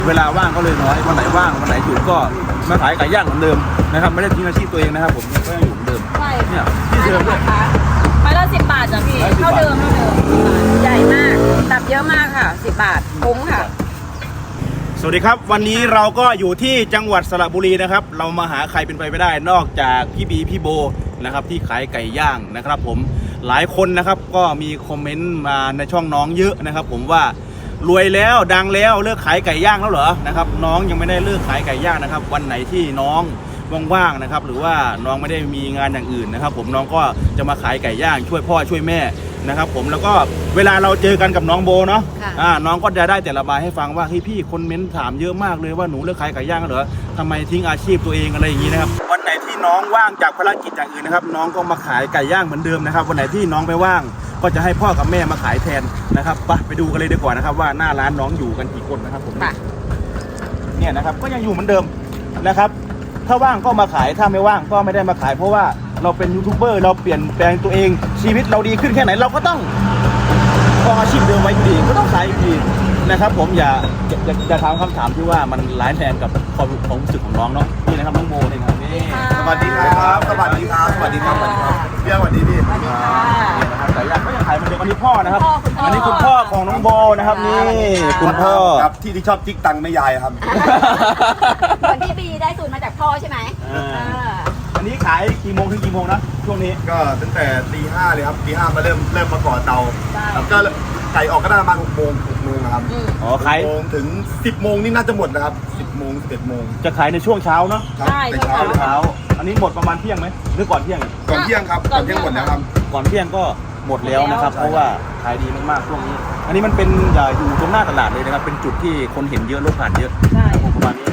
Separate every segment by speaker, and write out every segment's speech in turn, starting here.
Speaker 1: เวลาว่างก็เลยน้อยวันไหนว่างวันไหนหยุดก็มาขายไก่ย่างเหมือนเดิมนะครับไม่ได้ทิ้งอาชีพตัวเองนะครับผมก็ยังอยู่เหมือนเดิม
Speaker 2: ใช่
Speaker 1: เนี่ยที่เดิมด้วย
Speaker 2: ไม้ละ10 บาทจ้ะพี่เท่าเดิมใหญ่มากตับเยอะมากค่ะ10 บาทคุ้มค่ะ
Speaker 1: สวัสดีครับวันนี้เราก็อยู่ที่จังหวัดสระบุรีนะครับเรามาหาใครเป็นไปไม่ได้นอกจากพี่บีพี่โบนะครับที่ขายไก่ย่างนะครับผมหลายคนนะครับก็มีคอมเมนต์มาในช่องน้องเยอะนะครับผมว่ารวยแล้วดังแล้วเลิกขายไก่ย่างแล้วเหรอนะครับน้องยังไม่ได้เลิกขายไก่ย่างนะครับวันไหนที่น้องว่างๆนะครับหรือว่าน้องไม่ได้มีงานอย่างอื่นนะครับผมน้องก็จะมาขายไก่ย่างช่วยพ่อช่วยแม่นะครับผมแล้วก็เวลาเราเจอกันกับน้องโบเนาะน้องก็จะได้แต่ระบายให้ฟังว่าพี่คอมเมนต์ถามเยอะมากเลยว่าหนูเลิกขายไก่ย่างแล้วเหรอทำไมทิ้งอาชีพตัวเองอะไรอย่างนี้นะครับวันไหนที่น้องว่างจากภารกิจอย่างอื่นนะครับน้องก็มาขายไก่ย่างเหมือนเดิมนะครับวันไหนที่น้องไม่ว่างก็จะให้พ่อกับแม่มาขายแทนนะครับไปดูกันเลยดีกว่านะครับว่าหน้าร้านน้องอยู่กันกี่คนนะครับผมเนี่ยนะครับก็ยังอยู่เหมือนเดิมนะครับถ้าว่างก็มาขายถ้าไม่ว่างก็ไม่ได้มาขายเพราะว่าเราเป็นยูทูบเบอร์เราเปลี่ยนแปลงตัวเองชีวิตเราดีขึ้นแค่ไหนเราก็ต้องอาชีพเดิมไว้อยู่ดีก็ต้องขายอยู่ดีนะครับผมอย่าถามคำถามที่ว่ามันร้ายแรงกับความรู้สึกของน้องเนาะนี่นะครับน้องโมนี่ครับนี่
Speaker 3: สวัสดีครับสวัสดีครับสวัสดีครับสวัสดีครับเพี่สวัสดีพี่
Speaker 2: สวัสดีค่ะ
Speaker 1: นี่นะครับแต่ยังก็ยังขายเหมือนเดิมอันนี้พ่อนะครับอันนี้คุณพ่อของน้องโบนะครับนี่คุณพ่อ
Speaker 3: ครับที่ชอบจิกตังค์แม่ยายครับ
Speaker 2: เหมือนพี่บีได้สูตรมาจากพ่อใช่ไหม
Speaker 1: อันนี้ขายกี่โมงถึงกี่โมงนะช่วงนี้
Speaker 3: ก็ตั้งแต่ตี 5เลยครับตี 5มาเริ่มมาก่อเตาแล้วก็ไก่ออกก็ได้ประมาณ6 โมงนะครับ
Speaker 1: อ๋อขาย
Speaker 3: 6 โมงถึง 10 โมงนี่น่าจะหมดนะครับ10 โมง11 โมง
Speaker 1: จะขายในช่วงเช้าเนาะ
Speaker 3: ครับ
Speaker 2: ใช่
Speaker 3: ในเช้าเลยครับ
Speaker 1: เช้าอันนี้หมดประมาณเที่ยงไหมหรือก่อนเที่ยง
Speaker 3: ก่อนเที่ยงครับก่อนเที่ยงหมดแล้วครับ
Speaker 1: ก่อนเที่ยงก็หมดแล้วนะครับเพราะว่าขายดีมากๆช่วงนี้ อันนี้มันเป็นอยู่ตรงหน้าตลาดเลยนะครับเป็นจุดที่คนเห็นเยอะรถผ่านเยอะ
Speaker 2: ใช่
Speaker 1: ประมาณนี้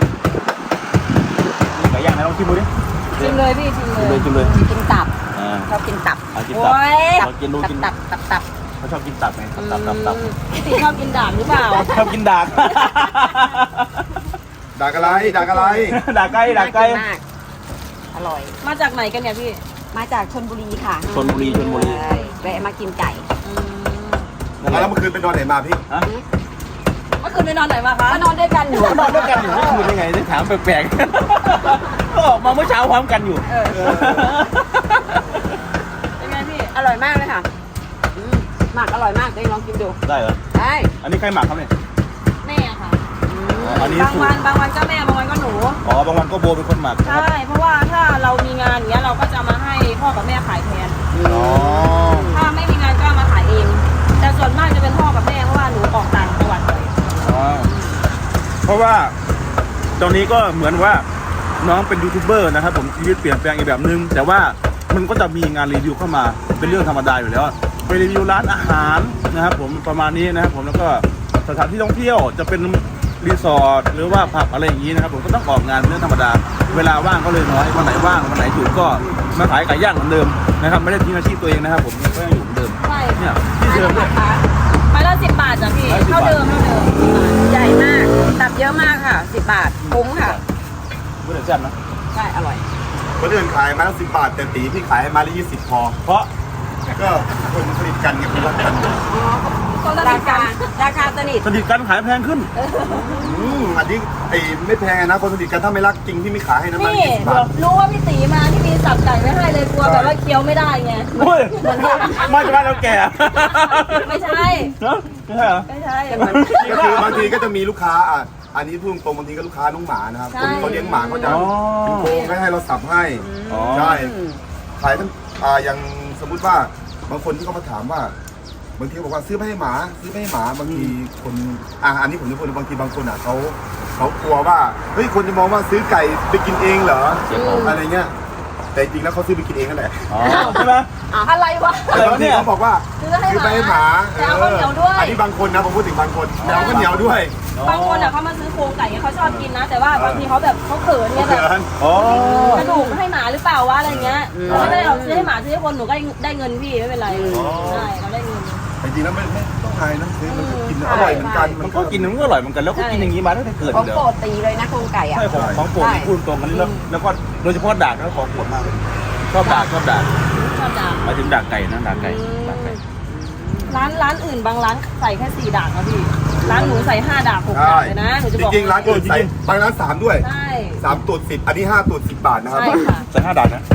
Speaker 1: นี่ไก่ย่างไหนลองชิมดูดิ
Speaker 2: ชิมเลยพี่ชิมเลย
Speaker 1: ชิมเลย
Speaker 2: กินตับ ชอบกินตับ
Speaker 1: เอากินตับ
Speaker 2: โอ้ย
Speaker 1: ลองกินดูกิน
Speaker 2: ตับ
Speaker 1: เขาชอบกินตับไงตับ
Speaker 2: พี่ตีชอบกินด่างหรือเปล่า
Speaker 1: ชอบกินดาก
Speaker 3: ด่าอะไรด่าอะไร
Speaker 1: ดากไก่
Speaker 2: น่ากินมากอร่อย มาจากไหนกันเนี่ยพี่ มาจากชลบุรีค่ะ
Speaker 1: ชลบุรี
Speaker 2: ใช่แวะมากินไก่
Speaker 3: แล้วเมื่อคืนไปนอนไหนมาพี่
Speaker 1: ฮะ
Speaker 2: เมื่อคืนไปนอนไหนมาคะมานอนด้วยกันอยู่
Speaker 1: นอนด้วยกันอยู่เมื่อคืนได้ไงได้ถามแปลกๆก็ออกมาเมื่อเช้าพร้อมกันอยู่
Speaker 2: เป็นไงพี่อร่อยมากเลยค่ะหมักอร่อยมากเดี๋ยวลองกินดู
Speaker 1: ได้เหรอ
Speaker 2: ได้
Speaker 1: อันนี้ใครหมักครับเนี่ย
Speaker 2: แม่ค่ะ
Speaker 1: อันนี้
Speaker 2: บาง
Speaker 1: สูต
Speaker 2: วัน
Speaker 1: ร
Speaker 2: บางวันก็แม่บางวันก็หนู
Speaker 1: อ๋อบางวันก็โบเป็นคนหมักนะครับ
Speaker 2: ใช่ เพราะว่าถ้าเรามีงานอย่างเงี้ยเราก็จะมาให้พ่อกับแม่ขายแทน
Speaker 1: อ๋อ
Speaker 2: ถ้าไม่มีงานก็มาขายเอง แต่ส่วนมากจะเป็นพ่อกับแม่เพราะว่าหนูออกต่างจังหวัดบ่อย
Speaker 1: อ๋อเพราะว่าตอนนี้ก็เหมือนว่าน้องเป็นยูทูบเบอร์นะครับผมชีวิตเปลี่ยนแปลงอีกแบบนึงแต่ว่ามันก็จะมีงานรีวิวเข้ามาเป็นเรื่องธรรมดาอยู่แล้วไปรีวิวร้านอาหารนะครับผมประมาณนี้นะครับผมแล้วก็สถานที่ท่องเที่ยวจะเป็นรีสอร์ทหรือว่าผับอะไรอย่างนี้นะครับผมก็ต้องออกงานเป็นเรื่องธรรมดาเวลาว่างก็เลยน้อยวันไหนว่างวันไหนหยุดก็มาขายไก่ย่างเหมือนเดิมนะครับไม่ได้ทิ้งอาชีพตัวเองนะครับผมก็ยังอยู่เหมือนเดิม
Speaker 2: ใช่
Speaker 1: เนี่ยที่เดิมด้วย
Speaker 2: ไม้ละ10 บาทจ้ะพี่
Speaker 1: 10
Speaker 2: เท่าเดิมใหญ่มากตับเยอะมากค่ะ10 บาทคุ้มค่ะ
Speaker 1: ไม่ได้แซ่บนะ
Speaker 2: ใช่อร่อย
Speaker 3: คนอื่นขายมาละ10 บาทแต่ตีพี่ขายให้มาละ20 พอ
Speaker 1: เพราะ
Speaker 3: ก็คนสนิทกันไงเป็นรักกัน
Speaker 2: ราคาสนิท
Speaker 1: สนิทกันขายแพงขึ้น
Speaker 3: อันนี้ไอ้ไม่แพงนะคนสนิทกันถ้าไม่รักจริงพี่ไม่ขายให้นะมา
Speaker 2: นี่
Speaker 3: 20 บาท
Speaker 2: รู้ว่าพี่ตีมาที่มีสับไก่ไม่ให้เลยกลัวแบบว่าเคี้ยวไม่ได้ไง
Speaker 1: โอ้ยมาจากบ้านเราแก่
Speaker 2: ไม่ใช่
Speaker 1: เนาะไม่ใช่เหรอ
Speaker 2: ไม่ใช่
Speaker 3: ก็คือบางทีก็จะมีลูกค้าอันนี้พูดตรงบางทีก็ลูกค้าน้องหมานะครับคนเขาเลี้ยงหมาเขาจะเป็นโครงให้เราสับให้
Speaker 1: อ๋อ
Speaker 3: ใช่ขายทั้งอย่างสมมุติว่าบางคนที่เขามาถามว่าบางทีบอกว่าซื้อไม่ให้หมาซื้อไม่ให้หมาบางทีคนอันนี้ผมจะพูดบางทีบางคนเขากลัวว่าเฮ้ยคนจะมองว่าซื้อไก่ไปกินเองเหรออะไรเงี้ยแต่จริงแล้วเขาซื้อไปกินเองนั่นแหละ
Speaker 1: อ๋อใช่ไหม
Speaker 2: อะไรวะ
Speaker 3: แต่บางทีเขาบอกว่า
Speaker 2: ซื้อให้
Speaker 3: ซื้อไปให้หมา
Speaker 2: แต่เอาข้าวเหนียวด้วย
Speaker 3: อันนี้บางคนนะผมพูดถึงบางคนแต่เอาข้าวเหนียวด้วย
Speaker 2: บางคนอ่ะเขามาซื้อโครงไก่เขาชอบกินนะ แต่ว่าบางทีเขาแบบเขาเขินเนี่ยแบบ
Speaker 1: อ๋อก
Speaker 2: ระดูกให้หมาหรือเปล่าวะอะไรเงี้ยเราไม่ได้เอาซื้อให้หมาซื้อให้คนหนูก็ได้เงินพี่ไม่เป็นไรใช่เราได้เงิน
Speaker 3: จริงๆแล้วไม่ต้องอายนะซื้อมันก็กินอร่อยเหมือนกัน
Speaker 1: มันก็กินมันก็อร่อยเหมือนกันแล้วก็กินอย่างนี้มาตั้งแต่เกิด
Speaker 2: ของ
Speaker 1: เลย
Speaker 2: โปรดตีเลยนะโครงไก่อ่ะ
Speaker 1: ใช่ของโปรดพูดตรงกันแล้วก็โดยเฉพาะดากแล้วของโปรดมากเลยชอบดาก
Speaker 2: ชอบจัง
Speaker 1: หมายถึงดากไก่นะดากไก่
Speaker 2: ร้านอื่นบางร้านใส่แค่4 ดาบนะพี่ร้านหนูใส่5 ดาบ6 ดาบเลยนะหนูจะ
Speaker 3: จ
Speaker 2: บอก
Speaker 3: ริงๆร้านอื่นใส่บางร้าน3ด้วย
Speaker 2: ใช่
Speaker 3: 3ตูด10อันนี้5ตูด10 บาทนะครับ
Speaker 2: ใช่ค่ะ
Speaker 1: ใส่5 ดาบนะ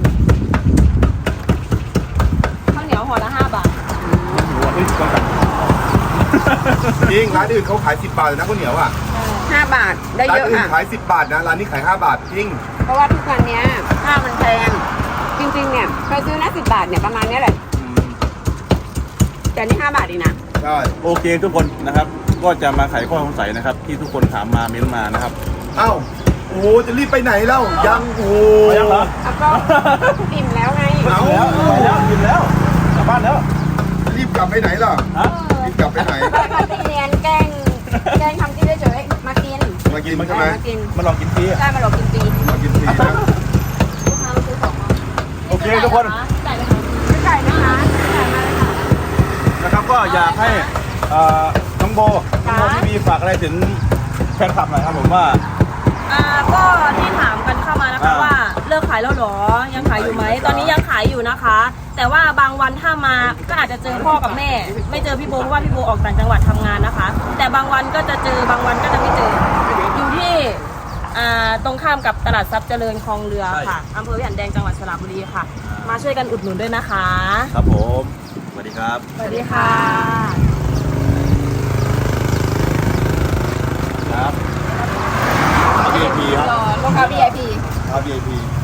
Speaker 2: ข้าวเหนียวห่อละ5 บาท
Speaker 1: เฮ้ยก่อนกัน
Speaker 3: จริงร้านอื่นเขาขาย10 บาทเลยนะข้าวเหนียวอ่ะ
Speaker 4: 5 บาทได้
Speaker 3: ร้าน
Speaker 4: เยอะ
Speaker 3: อื่น
Speaker 4: อ่ะ
Speaker 3: ขาย10 บาทนะร้านนี้ขาย5 บาทจริง
Speaker 4: เพราะว่าทุกวันเนี้ยข้าวมันแพง จริงๆเนี่ยเคยซื้อนะ10 บาทเนี่ยประมาณเนี้ยแหละแต่นี่5 บาทเองนะ
Speaker 3: ใช่
Speaker 1: โอเคทุกคนนะครับ ก็จะมาไขข้อสงสัยนะครับ ที่ทุกคนถามมาเม้นมานะครับ
Speaker 3: เอ้าโอ้โหจะรีบไปไหนแล้วยังโอ้โห
Speaker 1: ไปยังเหรอ
Speaker 4: แล้วก็อิ่มแล้วไง
Speaker 3: เอา
Speaker 1: แล้วไปแล้วกินแล้วกลับบ้านแล้ว
Speaker 3: รีบกลับไปไหนล่ะ
Speaker 1: ฮะ
Speaker 3: รีบกลับไปไหน
Speaker 4: มาตีเนียนแกล้งทำกินเฉยๆมากิน
Speaker 3: มากินใช่ไหม
Speaker 4: มากิน
Speaker 1: มาลองกินฟรีอะ
Speaker 4: ได้มาหลอกกินฟรี
Speaker 3: มากินฟรีนะ
Speaker 2: ลูกค้ามาซื้อของมา
Speaker 1: โอเคทุกคน
Speaker 2: จ่ายเลยค่ะ
Speaker 4: ไม่จ่ายนะคะจ่ายมาเลยค่ะ
Speaker 1: นะครับก็อยากให้น้องโบทีวีฝากอะไรถึงแฟนคลับหน่อยครับผมว่า
Speaker 2: ก็ที่ถามกันเข้ามานะคะว่าเลิกขายแล้วเหรอยังขายอยู่ไหมตอนนี้ยังขายอยู่นะคะ แต่ว่าบางวันถ้ามาก็อาจจะเจอพ่อกับแม่ ไม่เจอพี่โบเพราะว่าพี่โบออกต่างจังหวัดทำงานนะคะ แต่บางวันก็จะเจอบางวันก็จะไม่เจออยู่ที่ตรงข้ามกับตลาดทรัพย์เจริญคลองเรือค่ะอำเภอวิหารแดงจังหวัดสระบุรีค่ะ มาช่วยกันอุดหนุนด้วยนะคะ
Speaker 1: ครับผมสวัสดีครับ
Speaker 2: สวัสดีค่ะ
Speaker 1: ครับ VIP ครับ
Speaker 4: รอลูกค้า VIP
Speaker 1: VIP